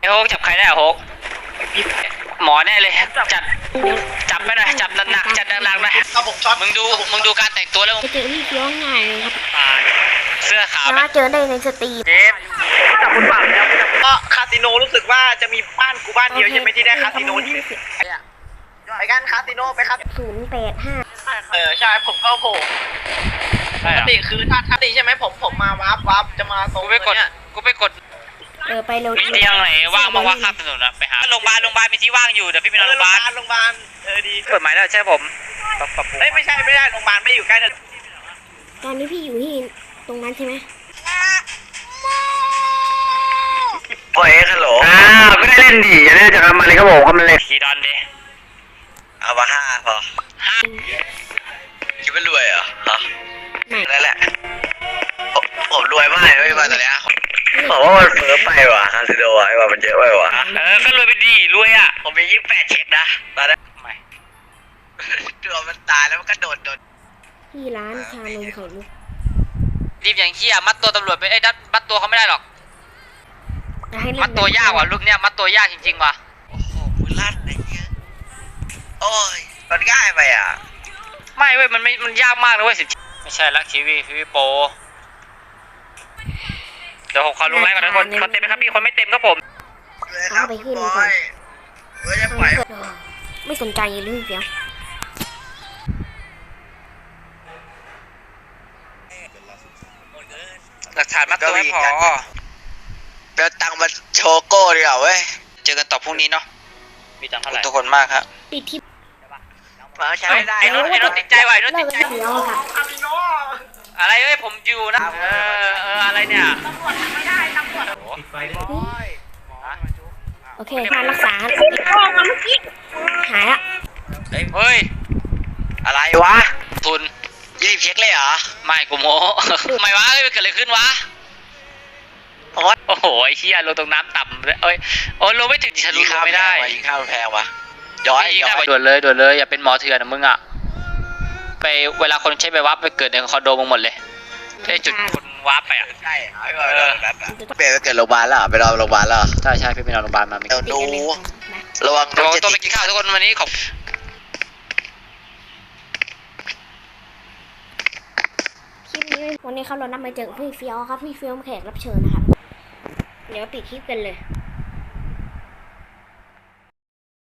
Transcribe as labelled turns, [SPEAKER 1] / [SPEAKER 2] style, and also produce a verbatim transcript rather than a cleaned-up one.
[SPEAKER 1] โฮกจับใครได้อะโฮกหมอแน่เลยจับจับไม่ได้จับหนักๆจับหนักๆนะมึงดูมึงดูการแต่งตัวแล้ว
[SPEAKER 2] จะเจอพี่เฟี้ยวง่ายเลยครับ
[SPEAKER 1] เสื้อขาว
[SPEAKER 2] สามารถเจอได้ในสตรีม
[SPEAKER 1] เจมจับคนปากแล้ว
[SPEAKER 3] ก็คาสิโนรู้สึกว่าจะมีบ้านกูบ้านเดียวใช่ไหมที่ได้คาสิโนที่ไปกันคาสิโนไปครับ
[SPEAKER 2] ศูนย์แปดห้า
[SPEAKER 3] เออใช่ผมก็โผล่ปกติคือถ้าถ้าตีใช่ไหมผมผมมาวับวับจะมาตรง
[SPEAKER 1] กูไปกดกูไปกด
[SPEAKER 2] เออไปเร็ว
[SPEAKER 1] มีเตียงไหนว่างบ้างว่าข้ามถนนนะไปหาโรงพยาบาลโรงพยาบาลมีที่ว่างอยู่เดี๋ยวพี่ไปนอนโรงพยาบาล
[SPEAKER 3] โรงพยาบาลเออดี
[SPEAKER 1] เปิดหมายแล้วใช่ผม
[SPEAKER 3] เฮ้ยไม่ใช่ไม่ได้โรงพยาบาลไม่อยู่ใกล้ถนน
[SPEAKER 2] ตอนนี้พี่อยู่ที่ตรงนั้นใช่ไหม
[SPEAKER 3] โอ้ยฮัลโหล
[SPEAKER 1] อ่าไม่ได้เล่นดีอย่าเล่นจากมันเลยครับผมเขามันเลยขี่ดอนดิ
[SPEAKER 3] เอามาห้าพอ
[SPEAKER 1] ห้า
[SPEAKER 3] คิดว่ารวยเหรอฮะ
[SPEAKER 2] ไม่
[SPEAKER 3] นั่นแหละผมรวยมากเลยไม่มาตอนนี้ผมว่ามันเฟ้อไปว่ะคาสิโนไอ้ว่ามันเยอะไปว่ะ
[SPEAKER 1] เออก็รวยไปดีรวยอ่ะ
[SPEAKER 3] ผมมียี่สิบแปดเช็คนะตอนนั้นไม่ตัวมันตายแล้วมันก็โดดโดด
[SPEAKER 2] ที่ร้านชานมไข่มุก
[SPEAKER 1] รีบอย่างเขี้ยมัดตัวตำรวจไปไอ้ดัดมัดตัวเขาไม่ได้หรอกมัดตัวยากว่ะลูกเนี้ยมัดตัวยากจริงๆว่ะ
[SPEAKER 3] โอ้โหมือลั่นอะไรเงี้ยโอ้ยมันง่ายไปอ่ะ
[SPEAKER 1] ไม่เว้ยมันไม่มันยากมากเลยเว้ยสิไม่ใช่ลักทีวีทีวีโปรเดี๋ยวผมขอลงไลน์ก่อนนะคนคนเต็มไหมครับพี่คนไม่เต็มครับผม
[SPEAKER 2] เอาไปขึ้นก่อนไม่สนใจเลยพี่เฟี้ยว
[SPEAKER 1] หลักฐานมัดตัวไม่พอ
[SPEAKER 3] เดี๋ยวตังมาโชโก้ดีกว่าเว้ย
[SPEAKER 1] เจอกันต่อพรุ่งนี้เนาะมีตังเท่าไหร่
[SPEAKER 3] ทุกคนมากครับ
[SPEAKER 2] ติดที่
[SPEAKER 3] มาใช้ไม่ได้
[SPEAKER 1] ไอ้รถไอ้รถติดใจไว้รถติดใจอะไรเอ้ยผมอยู่นะเออเอออะไรเนี่ยตำรวจไม่ได้ตำรวจปิดไฟด้วย
[SPEAKER 2] โอเคการรักษาหายละ
[SPEAKER 1] เฮ้ย
[SPEAKER 3] อะไรวะ
[SPEAKER 1] ทุน
[SPEAKER 3] ยี่สิบเช็คเลยเหรอ
[SPEAKER 1] ไม่กูโม้ทำไมวะเฮ้ยเกิดอะไรขึ้นวะโอ้โหไอ้เชี่ยลงตรงน้ำต่ำเลยเอ้ยโอ้ลงไม่ถึงฉันลงไม่ได้
[SPEAKER 3] ยิงข้าวแพงวะย้อยย้อย
[SPEAKER 1] ด่วนเลยด่วนเลยอย่าเป็นหมอเถื่อนนะมึงอ่ะไปเวลาคนใช้ไปวับไปเกิดในคอนโดมึงหมดเลยได้จุดคนวับไปอ่ะ
[SPEAKER 3] ใช่เปย์ไปเกิดโรงพยาบาลแล้วไปรอโรงพยาบาลแล้ว
[SPEAKER 1] ใช่ใช่พี่ไปนอนโรงพยาบาลมา
[SPEAKER 3] เดี๋ยวดูระวัง
[SPEAKER 1] ระวังตัวไปกินข้าวทุกคนวันนี้ขอบ
[SPEAKER 2] คลิปนี้วันนี้เขาเรานำมาเจอพี่เฟี้ยวครับพี่เฟี้ยวแขกรับเชิญนะครับเดี๋ยวปิดคลิปกันเลย